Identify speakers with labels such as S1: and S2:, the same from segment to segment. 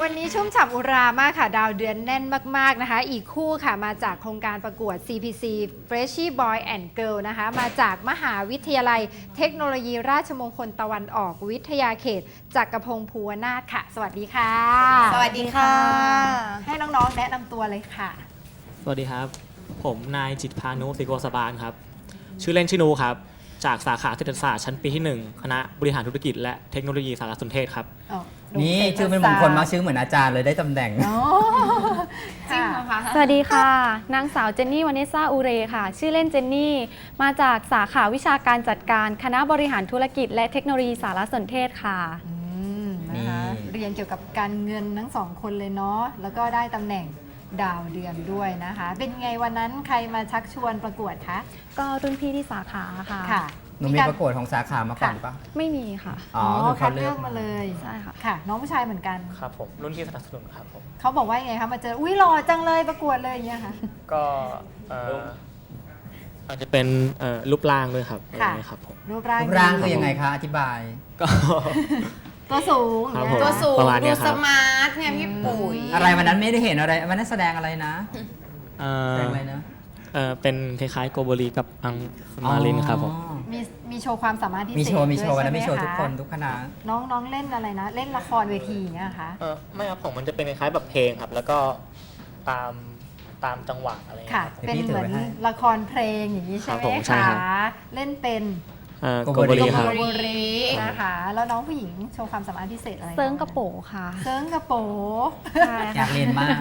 S1: วันนี้ชุ่มฉ่ำอุรามากค่ะดาวเดือนแน่นมากๆนะคะอีกคู่ค่ะมาจากโครงการประกวด CPC Freshie Boy and Girl นะคะมาจากมหาวิทยาลัยเทคโนโลยีราชมงคลตะวันออกวิทยาเขตจักรพงศ์ภูวนาถค่ะสวัสดีค่ะ
S2: สวัสดีค่ะ
S1: ให้น้องๆแนะนำตัวเลยค่ะ
S3: สวัสดีครับผมนายจิตรพานุศิโกสบาลครับชื่อเล่นชื่อนูครับจากสาขาเศรษฐศาสตร์ชั้นปีที่1คณะบริหารธุรกิจและเทคโนโลยีสารสนเทศครับ
S2: นี่ชื่อเป็นมงคลมากชื่อเหมือนอาจารย์เลยได้ตำแหน่ง
S1: จริงเหรอคะ
S4: สวัสดีค่ะนางสาวเจนนี่วานิสซาอูเรค่ะชื่อเล่นเจนนี่มาจากสาขาวิชาการจัดการคณะบริหารธุรกิจและเทคโนโลยีสารสนเทศค่ะ
S1: นะคะเรียนเกี่ยวกับการเงินทั้งสองคนเลยเนาะแล้วก็ได้ตำแหน่งดาวเดือนด้วยนะคะเป็นไงวันนั้นใครมาชักชวนประกวดคะ
S4: ก็รุ่นพี่ที่สาขาค่ะ
S2: หนูมีประกวดของสาขามาก่อนปะ
S4: ไม่มีค่ะ
S1: อ๋อคัดเลือกมาเลย
S4: ใช่ค่ะ
S1: ค่ะน้องผู้ชายเหมือนกัน
S3: ครับผมรุ่นที่สนับสนุนครับผม
S1: เขาบอกว่าไงคะมาเจออุ้ยหล่อจังเลยประกวดเลยอย่างเงี้ยค่ะ
S3: ก็อาจจะเป็นรูปร่างด้วยครับครับผม
S1: รูปร่าง
S2: คือยังไงคะอธิบาย
S3: ก็
S1: ตัวสูง
S2: ตัวสูง
S3: ดู
S2: สมาร์ทเนี่ยพี่ปุ๋ยอะไรวันนั้นไม่ได้เห็นอะไรวันนั้นแสดงอะไรนะแสดงอะไรนะ
S3: เป็นคล้ายๆโกโบลีกับอังมาลินครับผม
S1: มีโชว์ความสามารถที่
S2: มีโชว์วันนั้นมีโชว์ทุกคนทุกคณะ
S1: น้องเล่นอะไรนะเล่นละครเวทีเนี่ยค่ะ
S3: ไม่ครับผมมันจะเป็นคล้ายๆแบบเพลงครับแล้วก็ตามจังหวะอะไร
S1: ค่ะเป็นเหมือนละครเพลงอย่างนี้ใช่ไหมคะเล่นเป็น
S3: โกโบลีครับ
S1: นะคะแล้วน้องผู้หญิงโชว์ความสามารถพิเศษอะไร
S4: เซิร์งกระโปค่ะ
S1: เซิร์งกระโป
S2: อยากเรียนมาก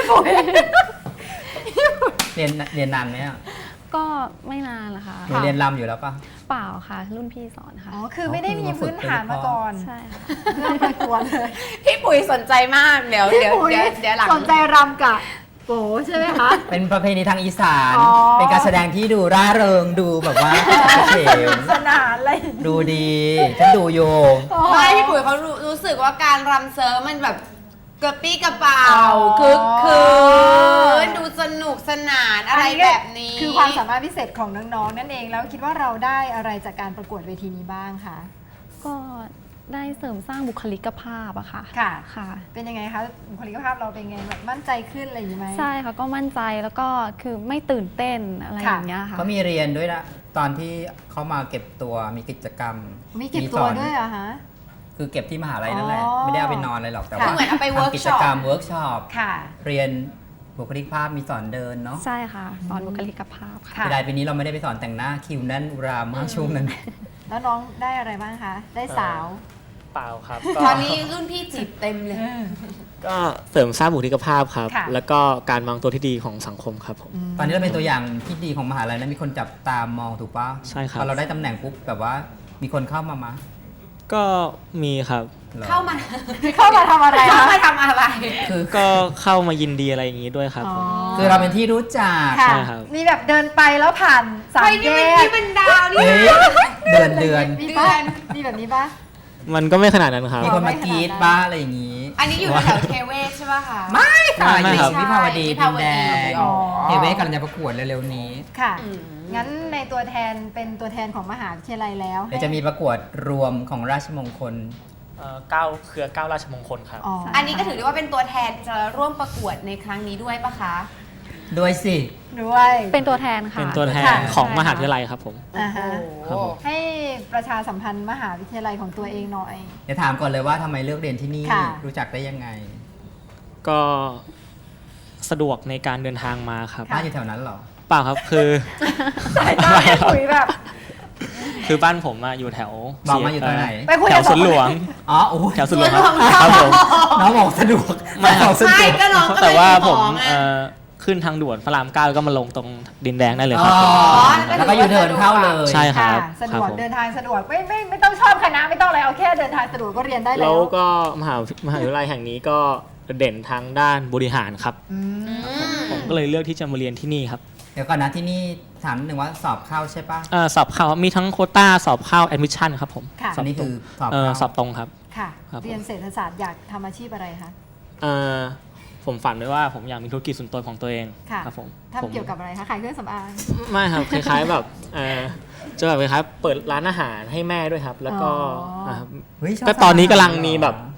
S2: เรียนนานไหมอ่ะ
S4: ก็ไม่นานละค่ะ
S2: หนูเรียนรำอยู่แล้วปะ
S4: เปล่าค่ะรุ่นพี่สอนค่ะ
S1: อ๋อคือไม่ได้มีพื้นฐานมาก่อน
S4: ใช่ค่ะ
S1: เรื่องประกวดเลย
S2: พี่ปุ๋ยสนใจมากเดี๋ยวหลัง
S1: สนใจรำกับโป๋ใช่ไหมคะ
S2: เป็นประเพณีทางอีสานเป็นการแสดงที่ดูร่าเริงดูแบบว่าเฉย
S1: สนานอะไร
S2: ดูดีฉันดูโย
S5: ไม่พี่ปุ๋ยเขารู้สึกว่าการรำเซิร์ฟมันแบบกระปี้กระเป๋าคึกคืนดูสนุกสนานอะไรแบบนี้
S1: คือความสามารถพิเศษของน้องๆนั่นเองแล้วคิดว่าเราได้อะไรจากการประกวดเวทีนี้บ้างคะ
S4: ก็ได้เสริมสร้างบุคลิกภาพอะค่ะ
S1: ค่ะเป็นยังไงคะบุคลิกภาพเราเป็นไงแบบมั่นใจขึ้นอะไรอย่างนี้ไหม
S4: ใช่ค่ะก็มั่นใจแล้วก็คือไม่ตื่นเต้นอะไรอย่างเงี้ยค่ะ
S2: เขามีเรียนด้วยนะตอนที่เขามาเก็บตัวมีกิจกรรม
S1: มีเก็บตัวด้วยเหรอคะ
S2: คือเก็บที่มหาลัยนั่นแหละไม่ได้เอาไปนอนอะไรหรอกแต่ว่า
S5: เหมือนเอาไปเวิร์ก
S2: ช็อปเวิร์กช็อปเรียนบุคลิกภาพมีสอนเดินเนาะ
S4: ใช่ค่ะสอนบุคลิกภาพค่ะ
S2: แต่ปีนี้เราไม่ได้ไปสอนแต่งหน้าคิวแน่นอุรามากช่วงนั้น
S1: แล้วน้องได้อะไรบ้างคะได้สาว
S3: เปล่าครับ
S5: ตอนนี้รุ่นพี่จีบเต็มเลย
S3: ก็เสริมสร้างบุคลิกภาพครับแล้วก็การวางตัวที่ดีของสังคมครับผม
S2: ตอนนี้เราเป็นตัวอย่างที่ดีของมหาลัยนะมีคนจับตามองถูกป่ะ
S3: ใช่ครับ
S2: พอเราได้ตำแหน่งปุ๊บแบบว่ามีคนเข้ามา
S3: ก็มีครับ
S5: เข้ามา
S1: ทำอะไร
S3: คือก็เข้ามายินดีอะไรอย่างนี้ด้วยครับ
S2: คือเราเป็นที่รู้จัก
S3: ใช่ครับ
S1: มีแบบเดินไปแล้วผ่านสามแยก
S5: นี่เป็นดาวนี่
S2: เดือน
S1: มีบ้านมีแบบนี้ป่ะ
S3: มันก็ไม่ขนาดนั้นครับ
S2: มีคนมากรีดบ้าอะไรอย่างนี้
S5: อันนี้อยู่แถวเทเวศใช่ป่ะคะ
S2: ไม่ค่ะอยู่วิภาวดีดินแดงเทเวศกำลังจะประกวดเร็วๆนี้
S1: ค่ะงั้นในตัวแทนเป็นตัวแทนของมหาวิทยาลัยแล้ว
S2: เดี๋ยวจะมีประกวดรวมของราชมงคล
S3: เครือ9ราชมงคลครับ
S5: อันนี้ก็ถือได้ว่าเป็นตัวแทนจะร่วมประกวดในครั้งนี้ด้วยปะคะ
S2: ด้วยสิ
S1: ด้วย
S4: เป็นตัวแทนค่ะ
S3: เป็นตัวแทนของมหาวิทยาลัยครับผม
S1: ให้ประชาสัมพันธ์มหาวิทยาลัยของตัวเองหน่อย
S2: เดี๋ยวถามก่อนเลยว่าทำไมเลือกเรียนที่นี่รู้จักได้ยังไง
S3: ก็สะดวกในการเดินทางมาครับ
S2: บ้านอยู่แถวนั้นหรอ
S3: เปล่าครับคือ
S1: สายตาคุยแบบ
S3: คือบ้านผมอยู่แถว
S2: บอกมาอยู่ตรงไหน
S3: แถวสวนหลวงแถวสวนหลวงครับผม
S2: น้องบอกสะดวก
S3: ไม่ครับแต่ว่าผมขึ้นทางด่วนพระราม9แล้วก็มาลงตรงดินแดงได้เลยครับ
S2: แล้วก็อยู่เดินเข้าเลย
S3: ใช่ครับ
S1: สะดวกเดินทางสะดวกไม่ต้องชอบคณะไม่ต้องอะไรเอาแค่เดินทางสะดวกก็เรียนได้แล้ว
S3: แล้วก็มหาวิทยาลัยแห่งนี้ก็เด่นทางด้านบริหารครับผมก็เลยเลือกที่จะมาเรียนที่นี่ครับ
S2: เดี๋ยวก่อนนะที่นี่ถามหนึ่งว่าสอบเข้าใช่ปะ
S3: สอบเข้ามีทั้งโควต้าสอบเข้าแอดมิชชั่นครับผม
S2: อันนี้คือ
S3: สอบตรงครับ
S1: ค่ะเรียนเศรษฐศาสตร์อยากทำอาชีพอะไรคะ
S3: ผมฝันไว้ว่าผมอยากมีธุรกิจส่วนตัวของตัวเองครับผม
S1: ทำเกี่ยวกับอะไรคะขายเครื่องสำอาง
S3: ไม่ครับคล้ายๆแบบจะแบบคล้ายๆเปิดร้านอาหารให้แม่ด้วยครับแล้วก็แต่ตอนนี้กำลังมีแบบ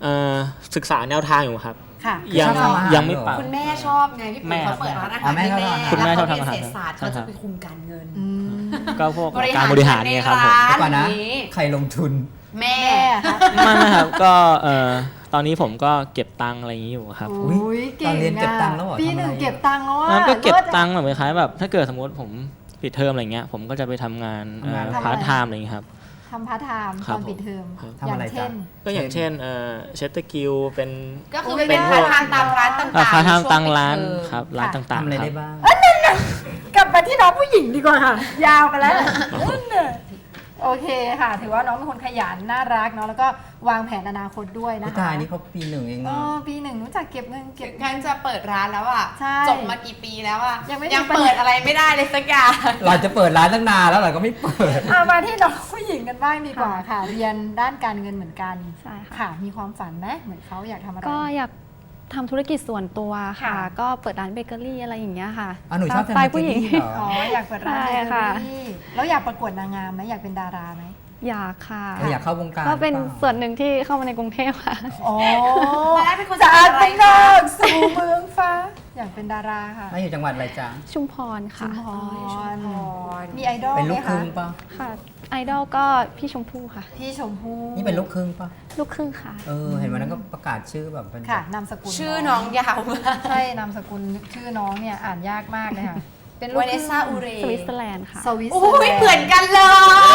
S3: ศึกษาแนวทางอยู่ครับ
S1: ค่ะ
S3: ยัง
S2: ชอบทำอาหาร
S3: ยังไม่
S2: เหรอ
S3: ปัง
S5: คุณแม่ชอบไงพี่
S3: แม่
S5: ปุ๋ย
S3: ครับ
S5: เขาเปิดร้านอา
S2: อ๋
S5: หา
S2: อ
S5: ร
S2: แม่
S5: ให้
S2: ชอบ
S5: แม่
S2: ทำอาหาร
S3: คุณแม่
S5: แล้ว
S3: ชอบ
S5: เขา
S3: ทำอาหาร
S5: เรียนเศรษฐศาสตร์
S3: ใช่
S5: เขา
S3: ครั
S5: จะ
S3: บ
S5: ไปคุมการเงิน
S1: อืม
S3: ก็พวก
S5: บริหาร
S3: การบริหารเนี่ยครับผม
S5: ในร้าน
S2: ก่อนนะ
S5: นี้
S2: ใครลงทุน
S5: แม่
S1: แม่ค่ะ
S3: ไม่ครับก็ตอนนี้ผมก็เก็บตังค์อะไรอย่างนี้อยู่ครับ
S1: โอ้ยเก่ง
S2: ตอนเรียนเก็บตังค์แล้วเหรอ
S1: ปีหนึ่ง
S2: ทำอะไร
S1: เก็บตังค์แล้วอะ
S3: งั้นก็เก็บ
S1: ลิศอะ
S3: ตังค์แบบคล้ายๆแบบถ้าเกิดสมมติผมปิดเทอมอะไรเงี้ยผมก็จะไปทำงาน
S2: ทำงานอะไร
S3: พาร์ทไทม์อะไรอย่างเงี้ยครับ
S1: ทำพาร์ทไทม์
S3: ครั
S1: ต
S3: บ
S1: อนปิดเทอม
S3: ครับ
S2: ทำอะไร
S1: อย่างเช่น
S2: จ๊ะ
S3: ก็อย่างเช่นเชตเตอร์กิลเป็น
S5: ก็คือ
S1: โอ้ย
S5: เป็น
S1: ได้
S5: พาร์ทไทม์ตามร้านต่างๆ
S3: พาร์ทไทม์
S5: ช่ว
S3: ตังร้าน
S5: ปิดเทอม
S3: ครับร้าน
S1: ค่ะ
S3: ต่าง
S2: ทำอะไร
S3: ๆครั
S2: ได้
S3: บ
S2: บ้าง
S1: กลับมาที่น้องผู้หญิงดีกว่าค่ะ ยาวไปแล้วนั่นน่ะโอเคค่ะ ถือว่าน้องเป็นคนขยันน่ารักเนาะแล้วก็วางแผนอนาคตด้วยนะ
S2: พี่
S1: คะ
S2: ตายนี่เขาปีหนึ่งเอง
S1: เอ
S2: อะ
S1: อปีหนึ่งรู้จักเก็บเงินเก็บ
S5: แค่จะเปิดร้านแล้วอ่ะ
S1: ใช่
S5: จบมากี่ปีแล้วอ่ะ
S1: ยังไม่
S5: ยัง
S1: มีปัญหา
S5: เปิดอะไรไม่ได้เลยสักอย่าง
S2: เราจะเปิดร้านตั้งนานแล้วเราก็ไม่เปิด
S1: มาที่น้องผู้หญิงกันบ้างดีกว่าค่ะ เรียนด้านการเงินเหมือนกัน
S4: ใช่ค่ะ
S1: ค่ะ มีความฝันไหมเหมือนเขาอยากทำอะไร
S4: ก็อยากทำธุรกิจส่วนตัวค่ะ
S1: ค่ะ
S4: ก็เปิดร้านเบเกอรี่อะไรอย่างเงี้ยค่ะ
S2: อ๋อหนูชอบ
S4: ตามสไตล์
S2: ทำ
S4: ผู้หญิง
S2: เบเกอรี่เหรอ
S1: อ๋ออยากเปิดร้าน
S4: ใช่
S1: เบเกอ
S4: ค่ะ
S1: รี่แล้วอยากประกวดนางงามไหมอยากเป็นดาราไหม
S4: อยากค่ะ
S2: เราอยากเข้าวงการ
S4: ก็เป็น
S2: หรือปล่า
S4: ส่วนหนึ่งที่เข้ามาในกรุงเทพค่ะ
S1: อ๋อ
S5: ตอนแรกเป็นคน
S1: จาก
S5: จังหวัดอะไร
S1: เป็นนอกสู่เมืองฟ้า อยากเป็นดาราค่ะ
S2: ไม่อยู่จังหวัดอะไรจ๊ะ
S4: ชุมพร
S1: ชุ
S4: ค่ะ
S1: มพ
S5: อ๋อชุมพร
S1: มีไอดอล
S2: เป็น
S1: ไห
S2: ลู
S1: ม
S2: กครึ่
S1: คะ
S2: งปะ
S4: ค่ะ ไอดอลก็พี่ชมพู่ค่ะ
S1: พี่ชมพู่
S2: นี่เป็นลูกครึ่งปะ
S4: ลูกครึ่งค่ะ
S2: เห็นวันนั้นก็ประกาศชื่อแบบเป็น
S1: ค่ะนามสกุล
S5: ชื่อน้องยาวมาก
S1: ใช่นามสกุลชื่อน้องเนี่ยอ่านยากมากเลยค่ะ เป็นลูก
S5: วาเนสซ่าอูเร
S4: สวิตเซอร์แลนด์ค่ะ
S1: สวิตเซอ
S5: โอ้
S1: ร์แล
S5: ย
S1: นด์
S5: เหมือนกันเลย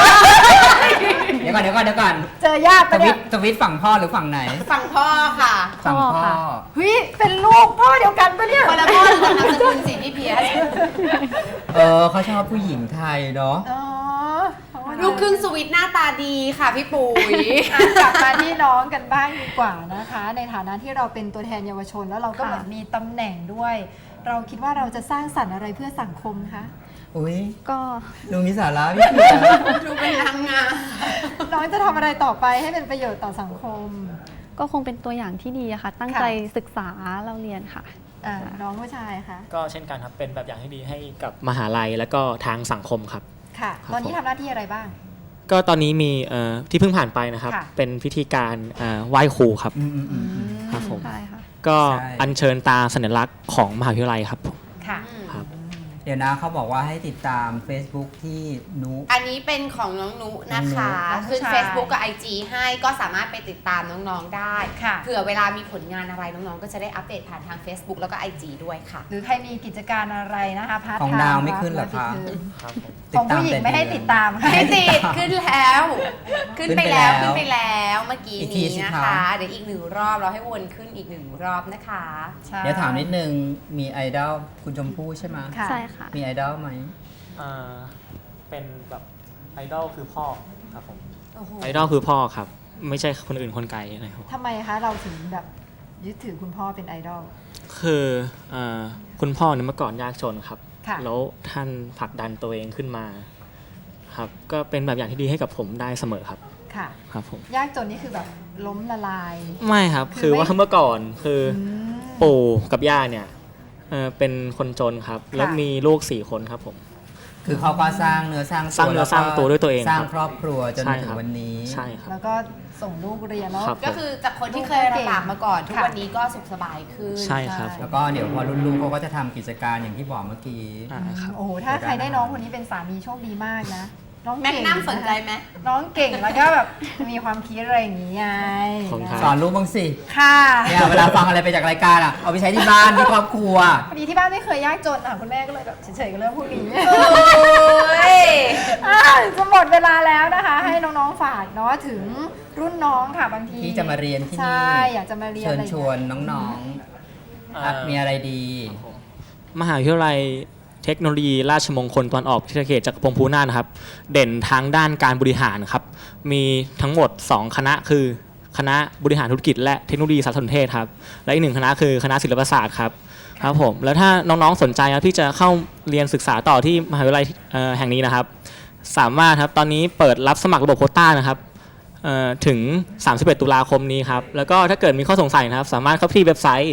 S2: เดี๋ยวก่อนเดี๋ยวก่อนเดี๋ยวก่อน
S1: เจอญาติ
S2: ส
S1: ปะ
S2: วิ
S1: เนี่
S2: ต
S1: ย
S2: สวิตฝั่งพ่อหรือฝั่งไหน
S5: ฝั่งพ่อค่ะ
S2: ฝั่งพ่อ
S4: พ่อค่ะ
S1: เฮ้ยเป็นลูกพ่อเดียวกันปะเนี่ย
S5: คนละพ่อกับนามสกุลสิพี่เพียร
S2: เขาชอบผู้หญิงไทยเนาะ
S1: อ๋อเขาว่า
S5: ลูกครึ่งสวิตหน้าตาดีค่ะพี่ปุ๋ย
S1: อ่ะกลับมาที่น้องกันบ้างดีกว่านะคะ ในฐานะที่เราเป็นตัวแทนเยาวชน แล้วเราก็
S4: ค่ะ
S1: เหมือนมีตำแหน่งด้วย เราคิดว่าเราจะสร้างสรรค์อะไรเพื่อสังคมคะ
S2: อุ้ย
S4: ก็
S2: ดูมีสาระพี่เพียร
S5: ดูเป็นนางงาม
S1: น้องจะทำอะไรต่อไปให้เป็นประโยชน์ต่อสังคม
S4: ก็คงเป็นตัวอย่างที่ดีอะค่ะ ตั้ง
S1: ค่ะ
S4: ใจศึกษาเราเรียนค่ะ
S1: น้องผู้ชายคะ
S3: ก็เช่นกันครับเป็นแบบอย่างที่ดีให้กับมหาลัยและก็ทางสังคมครับ
S1: ค่ะ
S3: ครับ
S1: ตอนนี้ทำหน้าที่อะไรบ้าง
S3: ก็ตอนนี้มีที่เพิ่งผ่านไปนะครับ
S1: ค่ะ
S3: เป็นพิธีการไหว้ครูครับ
S2: อืม
S3: ครับผม
S4: ใช่ค่ะ
S3: ก็
S2: ใช่
S3: อัญเชิญตาสัญลักษณ์ของมหาวิทยาลัยครับผม
S1: ค่ะ
S3: ครับ
S2: เดี๋ยวนะเขาบอกว่าให้ติดตาม Facebook ที่นุ
S5: อันนี้เป็นของน้องนุนะคะ
S1: น้องนุ
S5: ขึ้น
S1: น้องผู้ชาย
S5: Facebook กับ IG ให้ก็สามารถไปติดตามน้องๆได้
S1: ค่ะ
S5: เผื่อเวลามีผลงานอะไรน้องๆ ก็จะได้อัปเดตผ่านทาง Facebook แล้วก็ IG ด้วยค่ะ
S1: หรือใครมีกิจการอะไรนะคะพาร์ท
S2: ของ
S1: ไทม์
S2: ดาวไม่ขึ้นเหรอคะ
S3: ครับผม
S1: ของผู้หญิงไม่ให้ติดตาม
S5: ไม่ติดขึ้นแล้ว ขึ้นไปแล้ว
S2: ขึ้
S5: ขึ้
S2: น
S5: น
S2: ไป
S5: ไป
S2: แล้
S5: แล้ว วเมื่อกี้
S2: อีกที
S5: นี้
S2: สิ
S5: นะคะ คะเดี๋ยวอีกหนึ่งรอบเราให้วนขึ้นอีกหนึ่งรอบนะคะ
S1: ใช่
S2: เดี๋ยวถามนิดนึงมีไอดอลคุณชมพู่ใช่ไหม
S1: ค่ะ
S4: ใช่ค่ะ
S2: มีไอดอลไหม
S3: เป็นแบบไอดอลคือพ่อครับผม
S1: โอ้โห
S3: ไอดอลคือพ่อครับ ไม่ใช่คนอื่นคนไกลนะครับ
S1: ทำไมคะเราถึงแบบยึดถือคุณพ่อเป็นไอดอล
S3: คือคุณพ่อเนี่ยเมื่อก่อนยากจนครับ
S1: ค่ะ
S3: แล้วท่านผลักดันตัวเองขึ้นมาครับก็เป็นแบบอย่างที่ดีให้กับผมได้เสมอครับ
S1: ค่ะ
S3: ครับผม
S1: ยากจนนี่คือแบบล้มละลาย
S3: ไม่ครับ
S1: คือ
S3: คือว่า
S1: ไม่
S3: เมื่อก่อนคืออ
S1: ม
S3: ปู่กับย่าเนี่ยเป็นคนจนครับ
S1: ค่ะ
S3: แล้วมีลูก4 คนครับผม
S2: คือเขาก็สร้างเนื้อสร้างตัว
S3: สร้างเนื้อสร้างตัวด้วยตัวเอง
S2: สร้าง
S3: ครับ
S2: ครอบครัวจน
S3: ใช่
S2: มาถึ
S3: ครั
S2: ง
S3: บ
S2: วันนี้
S3: ใช่ครับ
S1: แล้วก็ส่งลูกเรียนแล้ว
S3: ครับ
S5: ก็คือจากคนที่เคยลำบากมาก่อน ทุก
S1: ค่ะ
S5: วันนี้ก็สุขสบายขึ้น
S3: ใช่ครับ
S2: แล้วก็เดี๋ยวพอรุ่นลูกเขาก็จะทำกิจการอย่างที่บอกเมื่อกี้
S3: ครับ
S1: โอ้โหถ้าใครได้น้องคนนี้เป็นสามีโชคดีมากนะ น้อง
S5: แม็ก
S1: เก่ง
S5: นัมสนใจไหม
S1: น้องเก่งแล้วก็แบบมีความคิดอะไรอย่างนี้ไง
S3: ขอบคุณครับ
S2: สอนลูกบ้างสิ
S1: ค่ะ
S2: เนี่ยเวลาฟังอะไรไปจากรายการอ่ะ เอาไปใช้ที่บ้านที่ครอบครัว
S1: พอดีที่บ้านไม่เคยยากจนอ่ะคุณแม่ก็เลยแบบเฉยๆกับเรื่องพวกนี้
S5: โอ้ย
S1: จะหมดเวลาแล้วนะคะ ให้น้องๆฝากเนาะถึงรุ่นน้องค่ะบางที
S2: ที่จะมาเรียนที่นี่
S1: ใช่อยากจะมาเรียน
S2: เชิญ
S1: อะไรอย่าง
S2: ช
S1: เงี้ย
S2: วนน้องๆมีอะไรดี
S3: มหาวิทยาลัยเทคโนโลยีราชมงคลตะวันออกวิทยาเขตจักรพงศ์ภูน่านนะครับ เด่นทางด้านการบริหารครับ มีทั้งหมด 2 คณะคือคณะบริหารธุรกิจและเทคโนโลยีสารสนเทศครับ และอีก1 คณะคือคณะศิลปศาสตร์ครับครับผมแล้วถ้าน้องๆสนใจครับที่จะเข้าเรียนศึกษาต่อที่มหาวิทยาลัยแห่งนี้นะครับ สามารถครับตอนนี้เปิดรับสมัครระบบโควต้านะครับถึง 31 ตุลาคมนี้ครับ แล้วก็ถ้าเกิดมีข้อสงสัยนะครับ สามารถเข้าที่เว็บไซต์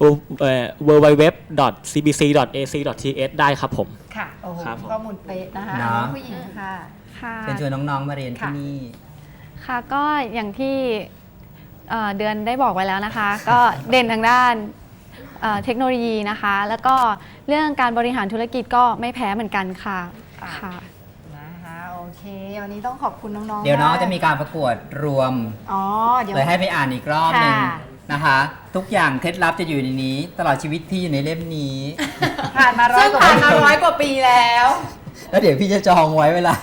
S3: www.cbc.ac.th ได้ครับผม
S1: ค่ะโอ้โห
S3: ครับผม
S1: ข้อมูลเป๊ะนะคะ
S2: เนาะ
S1: น้องผู้หญิงค่ะ
S4: ค่ะ
S2: เชิญชวนน้องๆมาเรียนที่นี่
S4: ค่ะก็อย่างที่เดือนได้บอกไว้แล้วนะคะ ก็เด่นทางด้านเทคโนโลยีนะคะ แล้วก็เรื่องการบริหารธุรกิจก็ไม่แพ้เหมือนกันค่ะค่ะ
S1: นะคะโอเค วันนี้ต้องขอบคุณน้องๆ
S2: เดี๋ยวน้อง
S1: าก
S2: จะมีการประกวดรวม
S1: อ๋อเดี๋ยว
S2: เลยให้ไปอ่านอีกรอบหนึ่ง
S1: ค่ะ
S2: นะคะ ทุกอย่างเคล็ดลับจะอยู่ในนี้ ตลอดชีวิตพี่อยู่ในเล่มนี้
S1: ผ่านมาร้อ
S5: ซึ่
S1: ย
S5: ง
S1: กว่า
S5: ผ่านมา
S1: ปี
S5: 100 กว่าปีแล้ว
S2: แล้วเดี๋ยวพี่จะจองไว้เวลา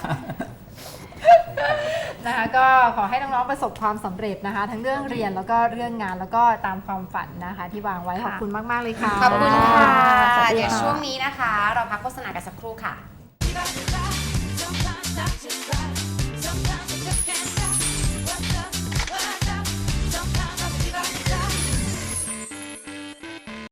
S1: นะคะก็ขอให้น้องๆประสบความสำเร็จนะคะ ทั้งเรื่องเรียนแล้วก็เรื่องงานแล้วก็ตามความฝันนะคะ ที่วางไว้ขอบคุณมากๆเลยค่ะ
S5: ขอบคุณค่ะ
S4: สวัสดีค่ะ
S5: เดี๋ยวช่วงนี้นะคะ เราพักโฆษณากันสักครู่ค่ะ
S6: Sometimes I just cry.